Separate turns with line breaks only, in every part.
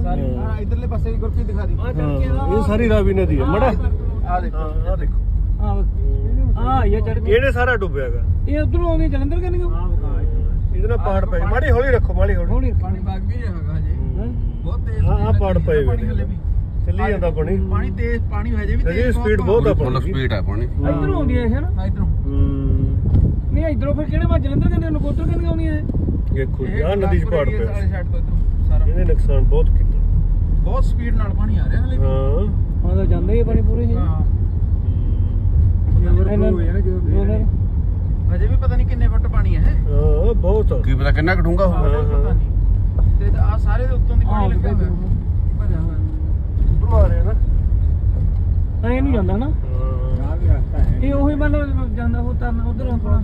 ਇਧਰਲੇ ਪਾਸੇ ਵੀ ਗੁਰਪ੍ਰੀਤ ਦਿਖਾ ਦੀ
ਇਹ ਸਾਰੀ ਰਾਵੀ ਨਦੀ ਹੈ ਮੜਾ
ਆ ਦੇਖੋ
ਆ ਦੇਖੋ
ਆ ਇਹ ਚੜ ਕੇ
ਇਹਨੇ ਸਾਰਾ ਡੁੱਬਿਆਗਾ
ਇਹ ਉਧਰੋਂ ਆਉਂਦੀ ਜਲੰਧਰ ਕਰਨਗੇ
ਇਹਦੇ ਨਾਲ ਪਾੜ ਪਏ ਮਾੜੀ ਹੌਲੀ ਰੱਖੋ ਮਾੜੀ ਹੌਲੀ
ਪਾਣੀ ਵਗ ਵੀ ਹੈਗਾ ਹਜੇ ਬਹੁਤ ਤੇਜ਼
ਹਾਂ ਪਾੜ ਪਏ ਵੇ ਚੱਲੀ ਜਾਂਦਾ ਪਾਣੀ
ਪਾਣੀ ਤੇਜ਼ ਪਾਣੀ ਹਜੇ ਵੀ
ਹਜੇ ਸਪੀਡ ਬਹੁਤ ਆ
ਫੁੱਲ ਸਪੀਡ ਹੈ ਪਾਣੀ
ਇਧਰੋਂ ਆਉਂਦੀ ਹੈ ਨਾ
ਇਧਰੋਂ
ਨਹੀਂ ਇਧਰੋਂ ਫਿਰ ਕਿਹੜੇ ਵਾ ਜਲੰਧਰ ਕੰਨੇ ਨਕੋਦਰ ਕੰਨੇ ਆਉਣੀ ਹੈ
ਦੇਖੋ ਆ ਨਦੀ ਚ ਪਾੜ ਪਿਆ
ਸਾਈਡ ਤੋਂ ਇਧਰੋਂ ਸਾਰਾ
ਇਹਨੇ ਨੁਕਸਾਨ ਬਹੁਤ ਕੀਤਾ
ਬਹੁਤ ਸਪੀਡ ਨਾਲ ਪਾਣੀ ਆ ਰਿਹਾ ਹਲੇ
ਹਾਂ
ਹਾਂ ਤਾਂ ਜਾਂਦਾ ਹੀ ਪਾਣੀ ਪੂਰੇ ਹੀ
ਹਾਂ ਹਜੇ ਵੀ ਪਤਾ ਨਹੀਂ ਕਿੰਨੇ ਫੁੱਟ ਪਾਣੀ ਹੈ
ਹਾਂ ਬਹੁਤ ਆ
ਕੀ ਪਤਾ ਕਿੰਨਾ ਘਟੂਗਾ ਹੋਊਗਾ
ਪਤਾ ਨਹੀਂ ਤੇ ਆ ਸਾਰੇ ਦੇ ਉੱਤੋਂ ਦੀ ਪਾਣੀ ਲੱਗਿਆ ਹੋਇਆ ਭਰਿਆ ਹੋਇਆ
ਮਾਰੇ ਨਾ
ਐ ਨਹੀਂ ਜਾਂਦਾ ਨਾ
ਹਾਂ
ਵੀ ਰਸਤਾ ਹੈ
ਇਹ ਉਹੀ ਮਤਲਬ ਜਾਂਦਾ ਉਹ ਤਰਨ ਉਧਰ ਆਪਣਾ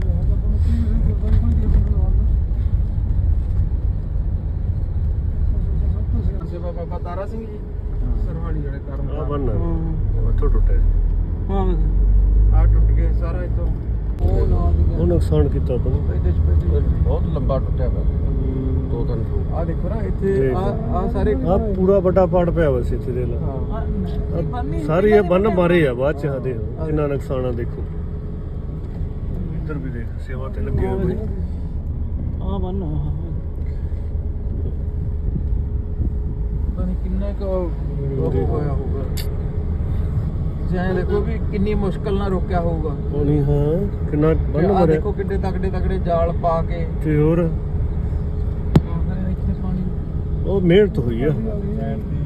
ਸੇਵਾ ਬਾਬਾ ਤਾਰਾ ਸਿੰਘ ਜੀ ਸਰਹਾਲੀ ਜਿਹੜੇ ਕਰਮ
ਆ ਬੰਨ ਉੱਥੋਂ ਟੁੱਟਿਆ
ਹਾਂ
ਆ ਟੁੱਟ ਗਏ ਸਾਰਾ ਇਤੋਂ ਉਹ ਨਾਲ ਦੀ
ਉਹ ਨੁਕਸਾਨ ਕੀਤਾ ਆਪਾਂ ਨੂੰ
ਇਹਦੇ ਚ
ਬਹੁਤ ਲੰਬਾ ਟੁੱਟਿਆ ਪਿਆ 2-3 ਫੁੱਟ
ਆ ਦੇਖੋ ਨਾ ਇੱਥੇ ਆ ਸਾਰੇ
ਆ ਪੂਰਾ ਵੱਡਾ ਪਾੜ ਪਿਆ ਵਾ ਸੀ ਇੱਥੇ ਦੇ ਲਾ
ਹਾਂ
ਸਾਰੀ ਇਹ ਬੰਨ ਮਾਰੇ ਆ ਬਾਅਦ ਚ ਆ ਦੇ ਕਿੰਨਾ ਨੁਕਸਾਨ ਆ ਦੇਖੋ ਇੱਧਰ ਵੀ ਦੇਖ ਸੇਵਾ ਤੇ ਲੱਗੇ ਹੋਏ
ਆ ਬੰਨ
ਪਤਾ ਨਹੀਂ ਕਿੰਨਾ ਕੁ ਉਹ ਹੋਇਆ ਹੋਊਗਾ ਜਿਵੇਂ ਦੇਖੋ ਵੀ ਕਿੰਨੀ ਮੁਸ਼ਕਲ ਨਾਲ ਰੋਕਿਆ ਹੋਊਗਾ
ਪਾਣੀ ਹਾਂ ਕਿੰਨਾ ਬੰਨ
ਆ
ਮਾਰਿਆ
ਦੇਖੋ ਕਿੱਡੇ ਤਕੜੇ ਜਾਲ ਪਾ ਕੇ
ਤੇ ਹੋਰ
ਇੱਥੇ ਪਾਣੀ
ਉਹ ਮਿਹਨਤ ਹੋਈ ਆ
ਸਾਈਡ ਤੇ